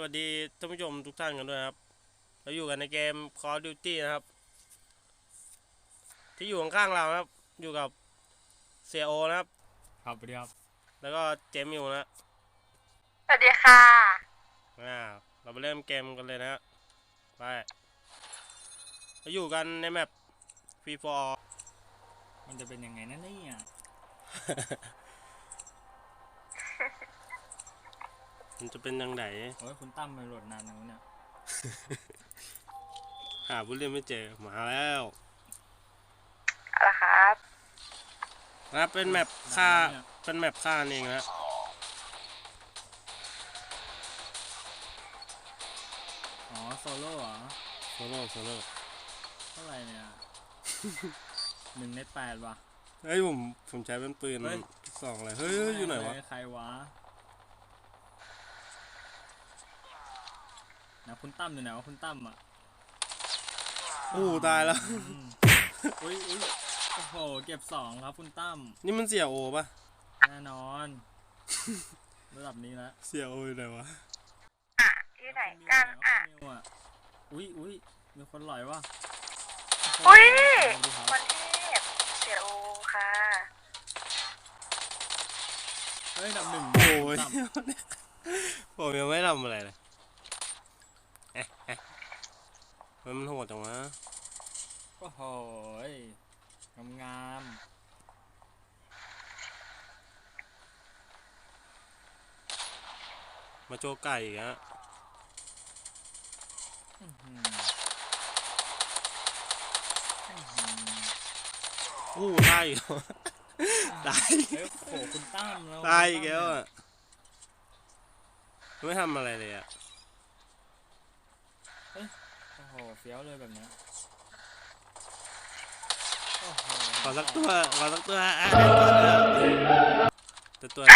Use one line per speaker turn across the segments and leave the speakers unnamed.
วัสดีท่านผู้ชมทุกท่านกันด้วยครับเราอยู่กันในเกม Call of Duty นะครับที่อยู่ข้างๆเราครับอยู่กับเสียโอนะครับ
ครับสวัสดีครับ
แล้วก็เจมิวนะ
สวัสดีค่ะ
เราไปเริ่มเกมกันเลยนะฮะไปเราอยู่กันในแมป Free for All
มันจะเป็นยังไงนั่นนี่อ่ะ
มันจะเป็นยังไง
โอ้ยคุณตั้มมันโหลดนานแล้วเนี่ย
หาผู้เล่นไม่เจอมาแล้ว
อะไรครับ
นะเป็นแมปฆ่าเป็นแมปฆ่าเองนะ
อ๋อโซโล่เหรอ
โซโล่
เท่าไหร่เนี่ย 1 ใน 8ว่ะ
เฮ้ยผมใช้เป็นปืนสองเลยเฮ้ยอยู่ไหนวะ
ใครวะนะคุณตั้มอยู่ไหนวะคุณตั้มอ่ะ
ตายแล้ว
อุ้ยโอ้โหเก็บ2ครับคุณตั้ม
นี่มันเสียโอปะ
แน่นอนระดับนี้แล้ว
เสียโออยู่ไหนวะ
ที่ไหนกัน
อุ้ยมีคนหลอยวะ
อุ้ยคนที่เสียโอค่ะ
เฮ้ยดับ 1
โอ้ยผมยังไม่ทำอะไรเลยมันโหดจังวะ
โอ้โหงาม
มาโจไก่อีกฮะได้อีกได้
โอ้คุณตั้มแล้ว
ได้อีกแล้วอ่ะไม่ทำอะไรเลยอ่ะ
โอ้โหเฟี้ยวเลยแบบนี้
ขอสักตัวตัว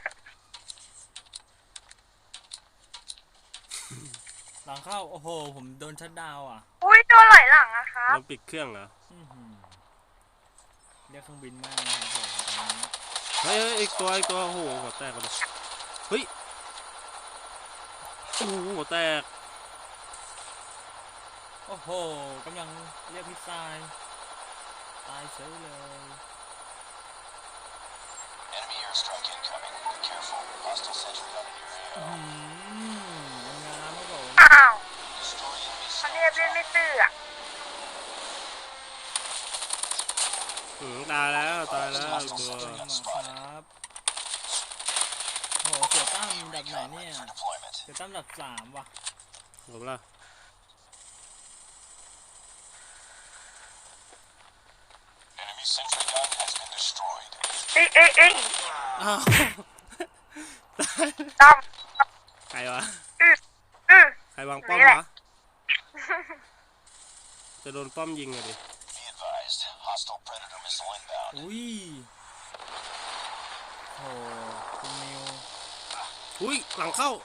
หลังเข้าโอ้โหผมโดนชัดดาวอ่ะ
อุ้ยโดนไหลหลังอะครับ
มันปิดเครื่องเหรอ
เรียกเครื่องบินมากนะครับผม
เฮ้ยอีกตัวโอ้โหหัวแตกเลยเฮ้ยหัวแตก
โอ้โหกำลังเรียกมิสไซล์ตายเฉยเลย
Enemy airstrike incoming. Be careful. Hostile sentry gun in your area.
งามครับผม
อ้าว
Destroy enemy
เขาเรียกเล่นไม่ตื้ออะ
ตายแล้วตัว
ครับโหเสือตั้มดับไหนเนี่ยเสือตั้มดับ3ว่ะ
จบละ
Enemy sentry gun has been destroyed.
เอ้ย
ตั้ม
ตั้ม
ใครวะใครวางป้อม
นี่แหละ
วะจะโดนป้อมยิงเลยดิ
Be advised. Hostile predator missile inbound.
อุ้ยโหคุณนิว
หลังเข้า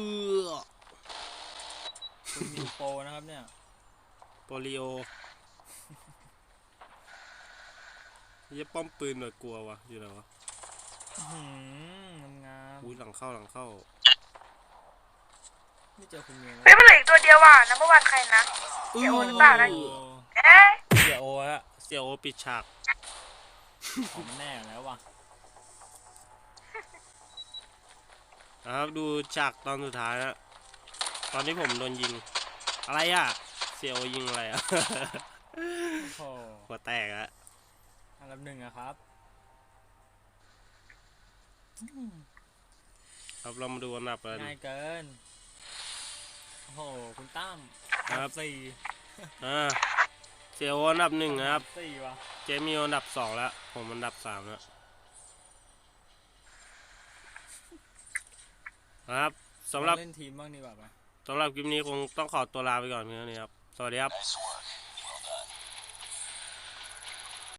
คุณนิวโปนะครับเนี่ย
โปลิโอยี่ป้อมปืนหน่อยกลัววะอยู่ไหนวะ
งาม
หลังเข้า
ไม่เจอคุณนิว
เฮ้ยมันเหลืออีกตัวเดียวว่ะนัมเบอร์วันใครนะเสียโอหรือเปล่านะ
เสียโอปิดฉาก
ของแน่แล้วว่ะ
นะครับดูฉากตอนสุดท้ายนะตอนที่ผมโดนยิงอะไรอ่ะเสียโอยิงอะไรอ่ะหัวแตกอะ
อันดับ 1อะครับ
เรามาดูอันดับกัน
ง่ายเกินโอ้โหคุณตั้ม
ครับ
4
เสียโออันดับ 1นะครับ
4ว่ะ
เจมี่อันดับ 2แล้วผมอันดับ 3แล้วครับสำหรับ
เล่นทีมบ้างดีกว่าปะ
สำหรับคลิปนี้คงต้องขอตัวลาไปก่อนเพียงเท่านี้ครับสวัสดีครับ